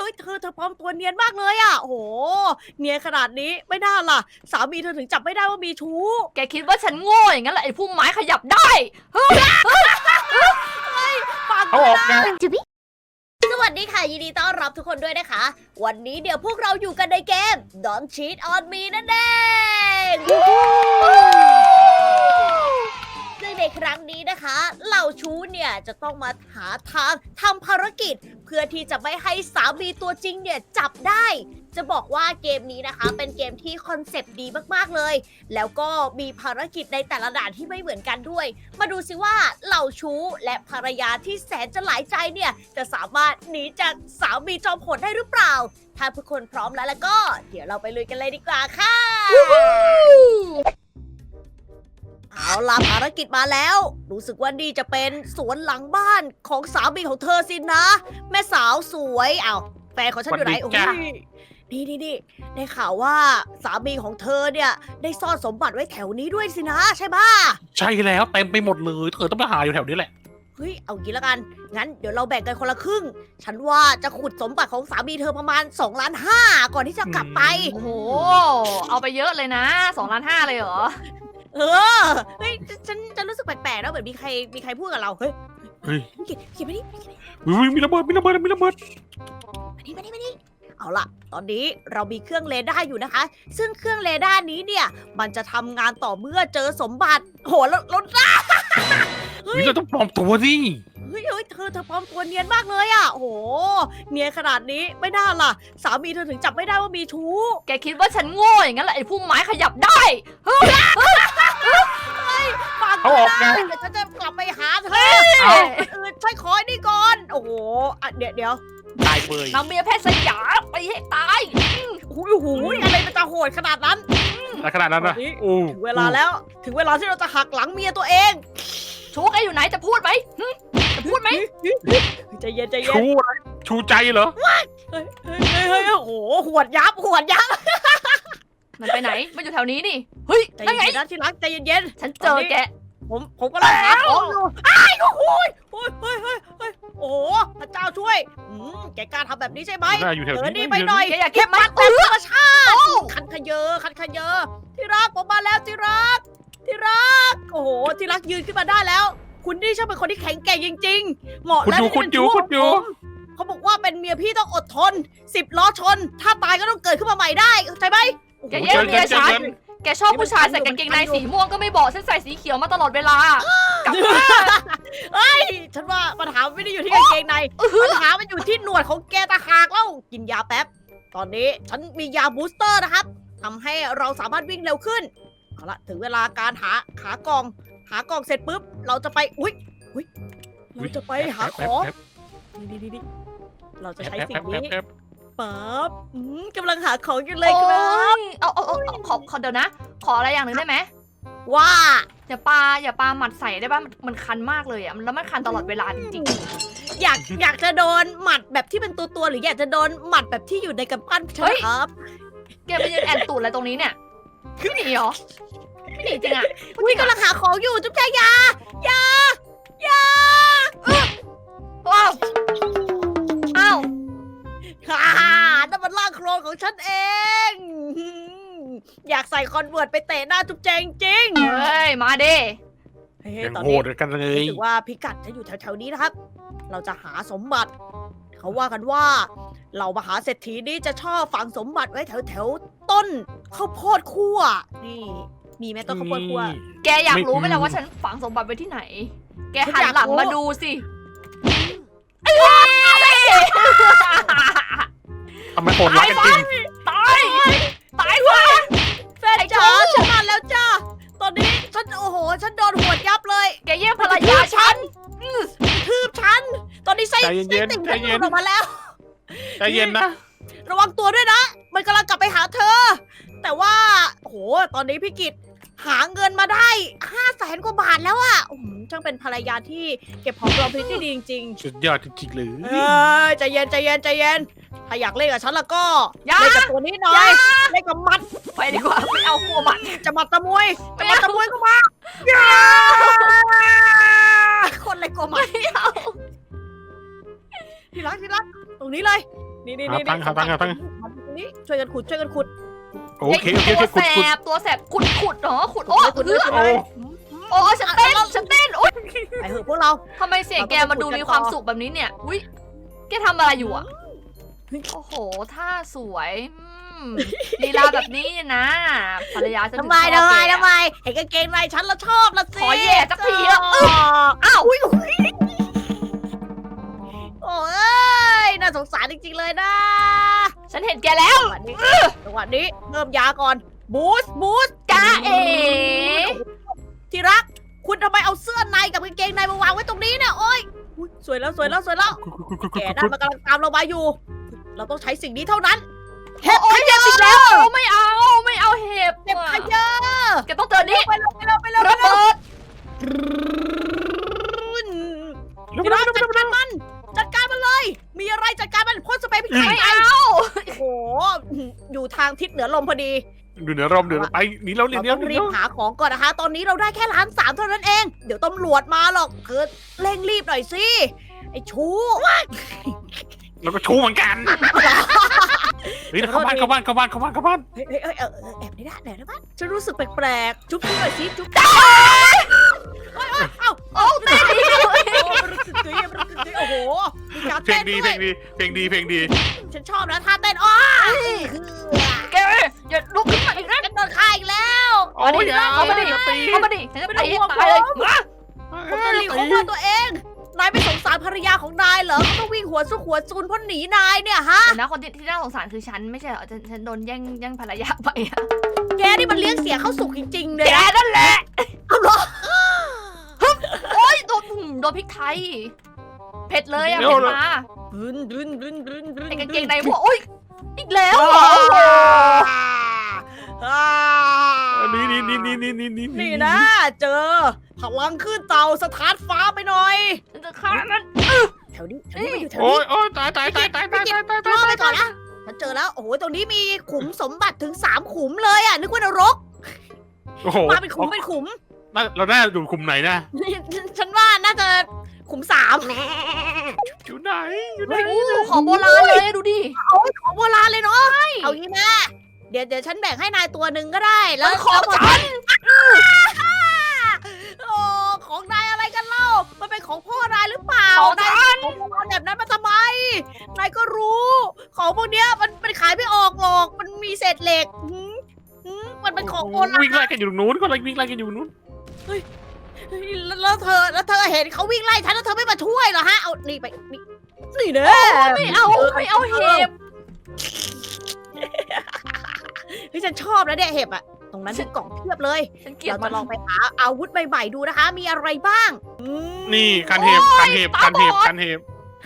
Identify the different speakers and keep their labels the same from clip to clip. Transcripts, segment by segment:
Speaker 1: อ้ยเธอปลอมตัวเนียนมากเลยอ่ะโอ้โหเนียนขนาดนี้ไม่น่าล่ะสามีเธอถึงจับไม่ได้ว่ามีชู้
Speaker 2: แกคิดว่าฉันโง่อย่างนั้นเหรอไอ้พุ่มไม้ขยับได้
Speaker 1: ฟัง
Speaker 3: เขาออกไง
Speaker 1: สวัสดีค่ะยินดีต้อนรับทุกคนด้วยนะคะ วันนี้เดี๋ยวพวกเราอยู่กันในเกม Don't Cheat on Me นั่นเองซึ่งในครั้งนี้นะคะเหล่าชู้เนี่ยจะต้องมาหาทางทำภารกิจ เพื่อที่จะไม่ให้สามีตัวจริงเนี่ยจับได้ จะบอกว่าเกมนี้นะคะ เป็นเกมที่คอนเซปต์ดีมากๆเลย แล้วก็มีภารกิจในแต่ละด่านที่ไม่เหมือนกันด้วย มาดูสิว่าเหล่าชู้และภรรยาที่แสนจะหลายใจเนี่ยจะสามารถหนีจากสามีจอมโหดได้หรือเปล่า ถ้าทุกคนพร้อมแล้วก็ เดี๋ยวเราไปลุยกันเลยดีกว่าค่ะ เอาล่ะภารกิจมาแล้ว รู้สึกว่านี่จะเป็นสวนหลังบ้านของสามีของเธอสินะ แม่สาวสวยอ้าวแฟนของฉันอยู่ไหน
Speaker 3: สวั
Speaker 1: โอ้
Speaker 3: สดีจ้ะ
Speaker 1: ยนี่ได้ข่าวว่าสามีของเธอเนี่ยได้ซ่อนสมบัติไว้แถวนี้ด้วยสินะใช่ปะ
Speaker 3: ใช่แล้วเต็มไปหมดเลยเธอต้องไปหาอยู่แถวนี้แหละ
Speaker 1: เฮ้ยเอางี้แล้วกันงั้นเดี๋ยวเราแบ่งกันคนละครึ่ง ฉันว่าจะขุดสมบัติของสามีเธอประมาณ2.5 ล้านก่อนที่จะกลับไป
Speaker 2: โอ้โหเอาไปเยอะเลยนะ2.5 ล้านเลยเหรอ
Speaker 1: เออเฮ้ยฉันรู้สึกแปลกๆแล้วเหมือนมีใครพูดกับเราเฮ้ย
Speaker 3: เฮ้ย
Speaker 1: เขียนไปดิ
Speaker 3: อุ๊ยมีระเบิดมีระเบิดมีระเบิด
Speaker 1: มานี่เอาล่ะ ตอนนี้เรามีเครื่องเรดาร์อยู่นะคะ ซึ่งเครื่องเรดาร์นี้เนี่ย มันจะทำงานต่อเมื่อเจอสมบัติ โหแล้วเฮ้ย
Speaker 3: เราต้องปลอมตัวสิ
Speaker 1: เฮ้ยเธอปลอมตัวเนียนมากเลยอ่ะ โอ้โห เนียนขนาดนี้ไม่น่าล่ะ สามีเธอถึงจับไม่ได้ว่ามีชู้
Speaker 2: แกคิดว่าฉันโง่อย่างนั้นเหรอไอ้พุ่มไม้ขยับได้
Speaker 1: ฟัง
Speaker 3: เขาออกไง
Speaker 1: เดี๋ยวฉันจะกลับไปหาเธอ
Speaker 3: เอา
Speaker 1: ใช่ขอไอ้นี่ก่อน โอ้โหอ่ะเดี๋ยว
Speaker 3: ตายเบย
Speaker 2: นางเมียแพทย์สยามไปให้ตาย
Speaker 1: โอ้โหอะไรมันจะโหดขนาดนั้น
Speaker 3: แล้วขนาดนั้นนะ
Speaker 1: ตอนนี้
Speaker 3: โอ้
Speaker 1: ถึงเวลาแล้ว ถึงเวลาที่เราจะหักหลังเมียตัวเอง
Speaker 2: ชูแกอยู่ไหนจะพูดไหมจะพูดไหม
Speaker 1: ใจเย็น
Speaker 3: ชูอะไรชูใจเหรอ
Speaker 1: เฮ้ยโอ้โหหวดยับ
Speaker 2: มันไปไหนมันอยู่แถวนี้นี่เฮ้ย
Speaker 1: ใจ
Speaker 2: นั่นไง
Speaker 1: เย็นนะที่รักใจเย็น
Speaker 2: ฉันเจอแก
Speaker 1: ผมก็ลังหาของอยู่อ้ายโอ้โหโอ้ยโอ้โหพระเจ้าช่วยแกกล้าทำแบบนี้ใช่ไหม
Speaker 3: น่าอยู่แถว
Speaker 1: เดิน
Speaker 3: นี้
Speaker 1: นี่ไปหน่อย
Speaker 2: แกอยากเก็บมัน
Speaker 1: แต่ธรรมชาติคันขยเยอที่รักผมมาแล้วที่รักโอ้โหที่รักยืนขึ้นมาได้แล้ว คุณนี่ช่างเป็นคนที่แข็งแกร่งจริงๆเหมาะ
Speaker 3: คุณ
Speaker 1: แล้ว
Speaker 3: อยู่
Speaker 1: ที่
Speaker 3: คุณ
Speaker 1: เป็น
Speaker 3: อยู่
Speaker 1: ชู้
Speaker 3: คุณอยู่
Speaker 1: ของผมเขาบอกว่าเป็นเมียพี่ต้องอดทน10 ล้อชน ถ้าตายก็ต้องเกิดขึ้นมาใหม่ได้เข้าใจไหม
Speaker 2: แกแย่งเมียฉันแกชอบผู้ชายใส่กางเกงในสีม่วงก็ไม่บอกฉันใส่สีเขียวมาตลอดเวลากลับมา
Speaker 1: เฮ้ยฉันว่าปัญหาไม่ได้อยู่ที่กางเกงในปัญหามันอยู่ที่หนวดของแกตาหากแล้วกินยาแป๊บ ตอนนี้ฉันมียาบูสเตอร์นะครับทำให้เราสามารถวิ่งเร็วขึ้นเอาละถึงเวลาการหากล่องเสร็จปุ๊บเราจะไปอุ้ยเราจะไปหาของนี่เราจะใช้สิ่งนี้ปั๊บกำลังหาของอยู่เลยครับ
Speaker 2: เอาขอเดี๋ยวนะ ขออะไรอย่างหนึ่งได้ไหม
Speaker 1: ว่า
Speaker 2: อย่าปาหมัดใส่ได้ป่ะมันคันมากเลยอ่ะแล้วมันคันตลอดเวลาจริง
Speaker 1: อยากจะโดนหมัดแบบที่เป็นตัวหรืออยากจะโดนหมัดแบบที่อยู่ในกำปั้นใช่ไหมครับ
Speaker 2: ๆแกไปยืนแอนตูดอะไรตรงนี้เนี่ยไม่หนีเหรอไม่หนีจริงอ่ะ
Speaker 1: อุ้ยกำลังหาของอยู่จุ๊บแจยา
Speaker 2: ว้าวอ้าว
Speaker 1: ฮ่านั่นมันร่างโคลนของฉันเอง อยากใส่คอนเวิร์ตไปเตะหน้าจุ๊บแจงจริง
Speaker 2: เฮ้ยมาดิ
Speaker 1: เฮ้ย
Speaker 3: ยัง
Speaker 1: ตอน
Speaker 3: โห
Speaker 1: นี้
Speaker 3: ดกันเลย
Speaker 1: รู้สึกว่าพิกัดจะอยู่แถวๆนี้นะครับ เราจะหาสมบัติ เขาว่ากันว่าเหล่ามหาเศรษฐีนี่จะชอบฝังสมบัติไว้แถวๆต้นข้าวโพดคั่วนี่มีไหมต้นข้าวโพดคั่ว
Speaker 2: แกอยากรู้ไหมล่ะว่าฉันฝังสมบัติไว้ที่ไหน แกหันหลังมาดูสิ
Speaker 3: ทำไมโหดร้ายกันจริง
Speaker 2: ตายว่ะ
Speaker 1: แฟนจ๋าฉันมาแล้วจ้าตอนนี้ฉันโอ้โหฉันโดนหัวดยับเลย
Speaker 2: แกแย่งภรรยาฉัน
Speaker 1: ทืบฉัน ตอนนี้ไส้
Speaker 3: ใจเย็นๆ
Speaker 1: ติ่ง
Speaker 3: ใจ
Speaker 1: ฉันห
Speaker 3: เย็
Speaker 1: ลุ
Speaker 3: น
Speaker 1: ดออกมาแล้ว
Speaker 3: ใจเย็นนะ
Speaker 1: ระวังตัวด้วยนะ มันกำลังกลับไปหาเธอ แต่ว่าโอ้โหตอนนี้พี่กิตหาเงินมาได้500,000 กว่าบาทแล้วอะช่างเป็นภรรยาที่เก็บหอมรอมริบที่ดีจริง
Speaker 3: สุดยอดจริงๆเลย
Speaker 1: ๆใจเย็นถ้าอยากเล่นกับฉันแล้วก็
Speaker 2: อย่า
Speaker 1: เล่นกับตัวนี้หน่อยเล่นกับมัด
Speaker 2: ไปดีกว่าไม่เอากลัวมัน
Speaker 1: จะมัดตะมวยก็มาอย่าคนเลยกลัวมัด
Speaker 2: ไม่เอา
Speaker 1: ที่รักตรงนี้เลยนี่นี่
Speaker 3: หา
Speaker 1: นี่
Speaker 3: ตังค์หาตังค์หาตังค์
Speaker 1: นี่ช่วยกันขุดช่วยกันขุด
Speaker 3: โอเคโอเคโอเค
Speaker 2: ตัว
Speaker 3: ขุด
Speaker 2: แส
Speaker 3: ขุด
Speaker 2: บตัวแสบขุดเหรอขุดโอ้
Speaker 1: ขุด
Speaker 2: เพื่อ
Speaker 1: ขุด
Speaker 3: โอ้
Speaker 2: โอ้ฉันเต้นโอ๊ย
Speaker 1: ไปเถอะพวกเรา
Speaker 2: ทำไมเสียงแกมันดูมีความสุขแบบนี้เนี่ยอุ้ยแกทำอะไรอยู่อ่ะโอ้โหท่าสวยลีลาแบบนี้นะภรรยาฉันถึ
Speaker 1: ทำ
Speaker 2: ง
Speaker 1: ไม
Speaker 2: ชอบ
Speaker 1: ทำไม
Speaker 2: แก
Speaker 1: ทำไมเห็นกางเกงในฉันแล้วชอบละสิ
Speaker 2: ขอแย่สักทีอะ
Speaker 1: อ้าวอุ้ยโอ้ยน่าสงสารจริงๆเลยนะ
Speaker 2: ฉันเห็นแกแล้ว
Speaker 1: จังหวะนี้เพิ่มยาก่อนบูสต์
Speaker 2: กาเอ๋
Speaker 1: ที่รัก คุณทำไมเอาเสื้อในกับกางเกงในมาวางไว้ตรงนี้เนี่ยโอ้ยอุ๊ยสวยแล้ว
Speaker 3: ขุด
Speaker 1: แกนั่นมันกำลังตามเรามาอยู่ เราต้องใช้สิ่งนี้เท่านั้น
Speaker 2: โอ้ยเห็บอีกแล้วไม่เอาเห็บ
Speaker 1: เก็บขยะ
Speaker 2: แกต้องเจอนี่
Speaker 1: ไปเร็วไปเร็วไปเร็ว
Speaker 2: ระเบิด
Speaker 1: ที่รักจัดการมันเลย มีอะไรจัดการมันพ่นสเปรย์พริกไทย
Speaker 2: ไม่
Speaker 1: ไป
Speaker 2: เอา
Speaker 1: โอ้โหอยู่ทางทิศเหนือลมพอดี
Speaker 3: ดูเหนือร่มเดือดไปหนีแล้วหนี
Speaker 1: เรา
Speaker 3: แล้ว
Speaker 1: ต้อง
Speaker 3: หนี
Speaker 1: รี
Speaker 3: แล้
Speaker 1: บ
Speaker 3: ว
Speaker 1: หาของก่อนนะคะ ตอนนี้เราได้แค่1,300,000เท่านั้นเอง เดี๋ยวตำรวจมาหรอกเธอเร่งรีบหน่อยสิ ไอ้ชู้
Speaker 3: แล้วก็ชูเหมือนกันเฮ้ยเข้าบ้านเข้าบ้านเข้าบ้านเข้าบ้านเข้าบ้าน
Speaker 1: เฮ้ยแอบในด้านไหนนะบ้านฉันรู้สึกแปลกๆ จุ๊บหน่อยสิ จุ๊บเอ้า
Speaker 2: โอ้เต้นดี
Speaker 1: โอ้โหมีการ
Speaker 3: เพล
Speaker 1: เต้
Speaker 3: ง
Speaker 1: น
Speaker 3: ดี
Speaker 1: ด้
Speaker 3: เพ
Speaker 1: ว
Speaker 3: ล
Speaker 1: ย
Speaker 3: งดีเพลงดีเพลงดี
Speaker 1: ฉันชอบนะท่าเต้นอ้อ
Speaker 2: แกอย่าลุกขึ้นมาอีกนะ
Speaker 1: ฉันโดนฆ่าอีกแล้ว
Speaker 3: โอ้ยอย่า
Speaker 2: เข้ามาดิ
Speaker 3: อย่าตี
Speaker 2: เข้ามาดิฉันจะตีให้ตายเลยมา
Speaker 1: ผมจะหลีกของตัวเอง นายไม่สงสารภรรยาของนายเหรอเขาต้องวิ่งหัวซุกหัวซูนเพราะหนีนายเนี่ยฮะ
Speaker 2: เดี๋ยวนะคนที่น่าสงสารคือฉันไม่ใช่เหรอฉันโดนแย่งภรรยาไปอะ
Speaker 1: แกนี่มันเลี้ยงเสียเข้าสุกจริงๆเลย
Speaker 2: แก
Speaker 1: นะ
Speaker 2: นั่นแหละ
Speaker 1: เอาเหรอ
Speaker 2: โอ้ยโดนพริกไทยเผ็ดเลยอะเผ็ดมา
Speaker 1: ดึน
Speaker 2: ไอ้กางเกงในพวกโอ้ยอีกแล้วเหรอ
Speaker 3: นี่
Speaker 1: นี่นะ เจอพลังขึ้นเตาสถานฟ้าไปหน่อย
Speaker 2: ฉันจะฆ่ามัน
Speaker 1: แถวนี้มันอยู่แถว
Speaker 3: โอ้
Speaker 1: นี้
Speaker 3: ยโอ้ยตายตายตายตายตายตายตาย
Speaker 1: รอไปก่อนนะฉันเจอแล้ว โอ้โห ตรงนี้มีขุมสมบัติถึง3ขุมเลยอ่ะ นึกว่านรก
Speaker 3: โอ้โห
Speaker 1: มาเป็นขุมเป็นขุม
Speaker 3: เราได้อยู่คุมไหนนะ
Speaker 1: ฉันว่าน่าจะขุม3
Speaker 3: อยู่ไหนอยู่ไหน
Speaker 2: โอ้ของโบราณเลยดูดิ
Speaker 1: โอ้ยของโบราณเลยเนาะเอางี้นะเดี๋ยวฉันแบ่งให้นายตัวหนึ่งก็ได้ แล้ว
Speaker 2: มันของฉัน
Speaker 1: โอ้ของนายอะไรกันเล่า มันเป็นของพ่อนายหรือเปล่า
Speaker 2: ของ
Speaker 1: นาย
Speaker 2: ฉัน
Speaker 1: ของโบราณแบบนั้นมาทำไม นายก็รู้ ของพวกเนี้ยมันขายไม่ออกหรอก มันมีเศษเหล็กมันเป็นของโบราณ
Speaker 3: วิ่งไล่กันอยู่ตรงนู้นก็เลยวิ่งไล่กันอยู่นู้น
Speaker 1: แล้วเธอเห็นเขาวิ่งไล่ฉันแล้วเธอไม่มาช่วยเหรอฮะ เอา นี่ไป นี่เด้
Speaker 2: ไม่เอาเห็บ
Speaker 1: เฮ้ยฉันชอบนะเนี่ยเห็บอะตรงนั้นมีกล่องเพียบเลย
Speaker 2: ฉันเกลียด
Speaker 1: เรา
Speaker 2: มั
Speaker 1: จะ
Speaker 2: น
Speaker 1: ลองไปหาอาวุธใหม่ๆดูนะคะ มีอะไรบ้างม
Speaker 3: นี่กันเห็บกันเห็บกันเห็บกันเห็บ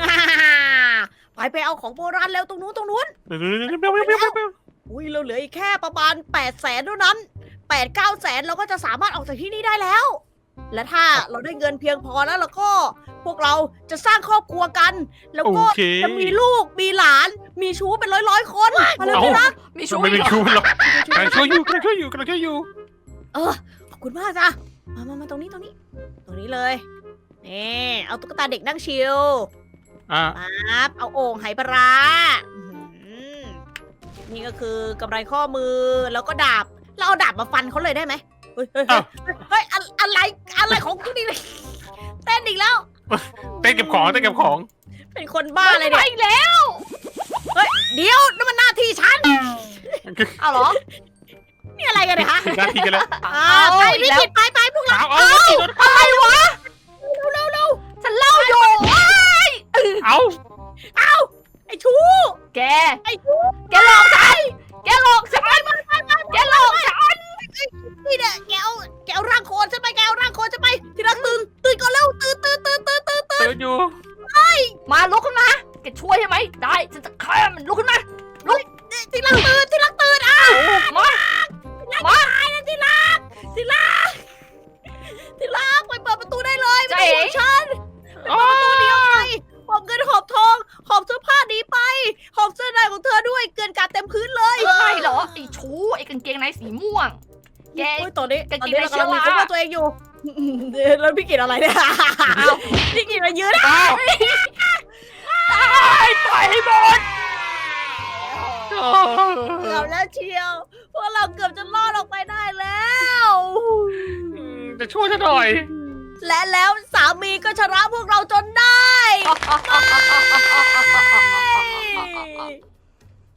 Speaker 1: ไปเอาของโบราณแล้วตรงนู้น
Speaker 3: เร็ว
Speaker 1: อุ้ยเราเหลืออีกแค่ประมาณ800,000เท่านั้น8-9 แสนเราก็จะสามารถออกจากที่นี่ได้แล้ว และถ้าเราได้เงินเพียงพอแล้วเราก็พวกเราจะสร้างครอบครัวกัน แล้ว
Speaker 3: โอ
Speaker 1: ก็
Speaker 3: เค
Speaker 1: จะมีลูกมีหลาน มีชู้เป็นร้อยๆคนมาเลยพี่รัก
Speaker 2: มีชู้
Speaker 3: ไม่
Speaker 2: อี
Speaker 3: เป็น
Speaker 2: กเหรอ
Speaker 3: ชูหรอกกำลังช่วยอยู่กำลังช่วยอยู่กำลังช่วยอยู่
Speaker 1: ขอบคุณมากจ้ะมาตรงนี้เลยนี่เอาตุ๊กตาเด็กนั่งชิล
Speaker 3: อ่ะ
Speaker 1: ปั๊บเอาโอ่งไหปลาร้าอื้อหือนี่ก็คือกำไรข้อมือแล้วก็ดาบเราเอาดาบมาฟันเขาเลยได้ไหมเฮ้ยอะไรของคุณนี่เลยเต้นอีกแล้ว
Speaker 3: เต้นเก็บของเต้นเก็บของ
Speaker 1: เป็นคนบ้าอะไร
Speaker 2: ไป
Speaker 1: เนี่ย
Speaker 2: อีกแล้ว
Speaker 1: เดี๋ยวนั่นมันหน้าที่ฉัน
Speaker 2: เอาเหรอ
Speaker 1: นี่อะไรกันเนี่ยฮะ
Speaker 3: ถึงหน้าที่กันแล้ว
Speaker 1: ไป
Speaker 2: อีก
Speaker 1: พี่
Speaker 2: แล้ว
Speaker 1: กิตไปพวกเรา
Speaker 3: เอา
Speaker 2: อะไรวะฉันเล่าอยู่ว้าย
Speaker 3: เอา
Speaker 1: ไอ้ชู้
Speaker 2: แก
Speaker 1: ไอ้ชู้
Speaker 2: แกหลอกฉันแกหลอกฉันแกหลอกฉัน
Speaker 1: นี่เนี่ยแกเอาร่างโคลนฉันไปแกเอาร่างโคลนฉันไปที่รักตื่นก่อนเร็วตื่น
Speaker 3: เตือนอยู่
Speaker 2: มาลุกขึ้นมาแกช่วยใช่ไหมได้ฉันจะฆ่ามันลุกขึ้นมา
Speaker 1: ที่รักตื่นอ้าว
Speaker 2: มา
Speaker 1: ตายนะที่รักไปเปิดประตูได้เลย
Speaker 2: ใจ
Speaker 1: ไม่ต้องห่วงฉันไปเปิดประตูเดียวไปหอบเงินหอบทองหอบเสื้อผ้านี้ไปหอบเสื้อในของเธอด้วยเกลื่อนกาดเต็มพื้นเลย
Speaker 2: ใช่เหรอไอ้ชู้ไอ้กางเกงในสีม่วง แก
Speaker 1: โอ้ยตอนนี้
Speaker 2: กางเกงใน
Speaker 1: เรากำลังมี
Speaker 2: เชื้
Speaker 1: ค
Speaker 2: อ
Speaker 1: น
Speaker 2: รา
Speaker 1: ว่าตัวเองอยู่แล้วพี่กินอะไรเนี่ยพี่กินมายืน
Speaker 3: อ้าว
Speaker 2: ตายไปให้หมด
Speaker 1: อบแล้วเชียวพวกเราเกือบจะรอดออกไปได้แล้ว
Speaker 3: จะช่วยฉันหน่อย
Speaker 1: และแล้วสามีก็ชนะพวกเราจนได้ ไม่